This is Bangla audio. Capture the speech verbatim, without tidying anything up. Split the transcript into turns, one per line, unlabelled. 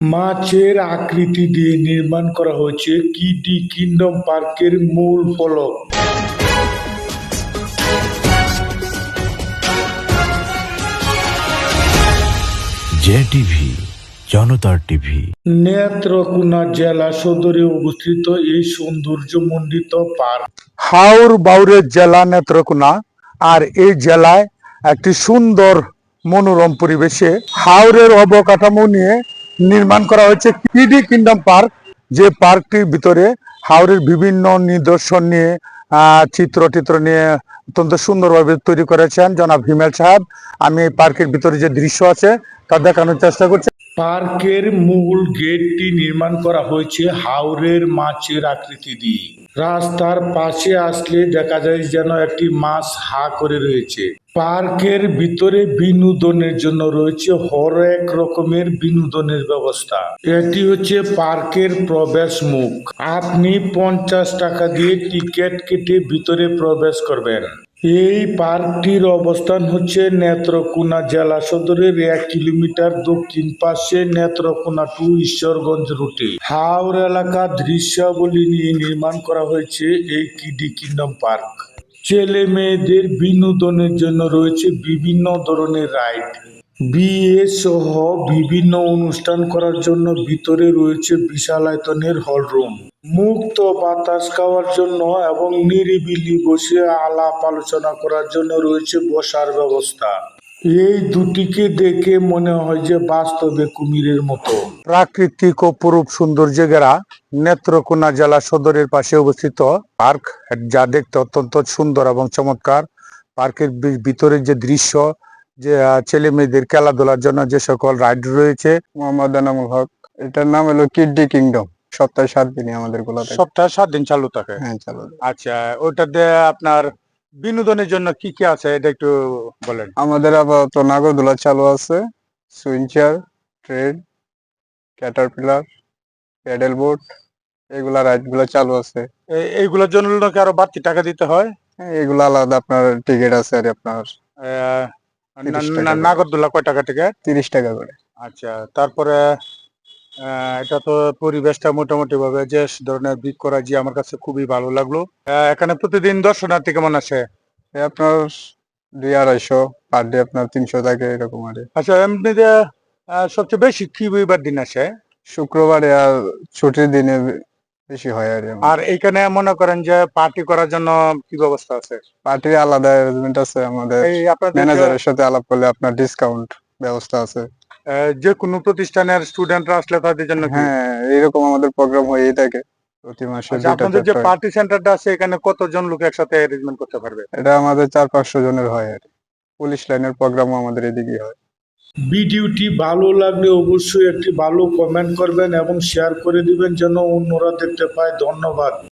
মাছের আকৃতি দিয়ে নির্মাণ করা হয়েছে কিডি কিংডম পার্কের মূল ফলক।
জে টিভি, জনতার টিভি।
নেত্রকোনা জেলা সদরে অবস্থিত এই সৌন্দর্যমণ্ডিত পার্ক হাওর বাউরের জেলা নেত্রকোনা, আর এই জেলায় একটি সুন্দর মনোরম পরিবেশে হাওরের অবকাঠামো নিয়ে নির্মাণ করা হয়েছে কিডি কিংডম পার্ক। যে পার্কটির ভিতরে হাওরের বিভিন্ন নিদর্শন নিয়ে আহ চিত্র টিত্র নিয়ে অত্যন্ত সুন্দরভাবে তৈরি করেছেন জনাব হিমেল সাহেব। আমি এই পার্কের ভিতরে যে দৃশ্য আছে তা দেখানোর চেষ্টা করছি। পার্কের মূল গেটটি নির্মাণ করা হয়েছে হাওরের মাছের আকৃতি দিয়ে। রাস্তার পাশে আসলে দেখা যায় যেন একটি মাছ হা করে রয়েছে। পার্কের ভিতরে বিনোদনের জন্য রয়েছে হরেক রকমের বিনোদনের ব্যবস্থা। এটি হচ্ছে পার্কের প্রবেশ মুখ। আপনি পঞ্চাশ টাকা দিয়ে টিকিট কেটে ভিতরে প্রবেশ করবেন। এই পার্কটির অবস্থান হচ্ছে নেত্রকোনা জেলা সদরের এক কিলোমিটার দক্ষিণ পাশে নেত্রকোনা টু ঈশ্বরগঞ্জ রুটে হাওর এলাকা দৃশ্যাবলী নিয়ে নির্মাণ করা হয়েছে এই কিডি কিংডম পার্ক। ছেলে মেয়েদের বিনোদনের জন্য রয়েছে বিভিন্ন ধরনের রাইড। বিয়ে সহ বিভিন্ন অনুষ্ঠান করার জন্য ভিতরে রয়েছে বিশাল আয়তনের হলরুম। মুক্ত বাতাস খাওয়ার জন্য এবং নিরিবিলি বসে আলাপ আলোচনা করার জন্য রয়েছে বসার ব্যবস্থা। এই দুটিকে দেখে মনে হয় যে বাস্তবে কুমিরের মতো। প্রাকৃতিক অপরূপ সৌন্দর্যে ঘেরা নেত্রকোনা জেলা সদরের পাশে অবস্থিত পার্ক, যা দেখতে অত্যন্ত সুন্দর এবং চমৎকার। পার্কের ভিতরের যে দৃশ্য, যে ছেলে মেয়েদের খেলাধুলার জন্য যে সকল রাইড রয়েছে।
মোহাম্মদ এনামুল হক, এটার নাম হলো কিডি কিংডম। সপ্তাহে সাত দিনই আমাদের গুলা থাকে।
সপ্তাহে সাত দিন চালু থাকে।
হ্যাঁ, চালু।
আচ্ছা, ওটাতে আপনার বিনোদনের জন্য কি কি আছে এটা একটু বলেন।
আমাদের আপাতত নাগরদোলা চালু আছে, swing chair, train, caterpillar, paddle boat, এগুলা রাইড গুলা চালু আছে।
এই- এইগুলোর জন্য কি আরো বাড়তি টাকা দিতে হয়?
হ্যাঁ, এগুলা আলাদা আপনার টিকিট আছে আর আপনার
আহ,
তিরিশ
না-
টাকা
না-
করে।
নাগরদোলা কয় টাকা থেকে?
তিরিশ টাকা করে।
আচ্ছা, তারপরে আহ, এটা তো পরিবেশটা মোটামুটি ভাবে যে ধরনের বৃক্ষরাজি আমার কাছে খুবই ভালো লাগলো। আহ, এখানে প্রতিদিন দর্শনার্থী কেমন আছে?
এই আপনার দুই আড়াইশো পার ডে, আপনার তিনশো থাকে এরকম আর কি।
আচ্ছা, এমনিতে আহ, সবচেয়ে বেশি কি রবিবার দিন আসে?
শুক্রবারে আর ছুটির দিনে বেশি হয় আর কি।
আর এইখানে মনে করেন যে পার্টি করার জন্য কি ব্যবস্থা আছে?
পার্টির আলাদা অ্যারেঞ্জমেন্ট আছে, আমাদের
এই আপনাদের
ম্যানেজারের সাথে আলাপ করলে আপনার ডিসকাউন্ট ব্যবস্থা আছে।
আহ, যে কোনো প্রতিষ্ঠানের স্টুডেন্টরা আসলে তাদের জন্য কি?
হ্যাঁ, এরকম আমাদের প্রোগ্রাম হয়েই থাকে প্রতি মাসে
আচ্ছা,
দুইটা
আপনাদের যে
চারটা।
পার্টি সেন্টারটা আছে এখানে কতজন লোক একসাথে অ্যারেঞ্জমেন্ট করতে পারবে?
এটা আমাদের চার পাঁচশো জনের হয় আর কি। পুলিশ লাইনের প্রোগ্রামও আমাদের এদিকে হয়।
ভিডিওটি ভালো লাগলে অবশ্যই একটি ভালো কমেন্ট করবেন এবং শেয়ার করে দিবেন যেন অন্যরা দেখতে পায়। ধন্যবাদ।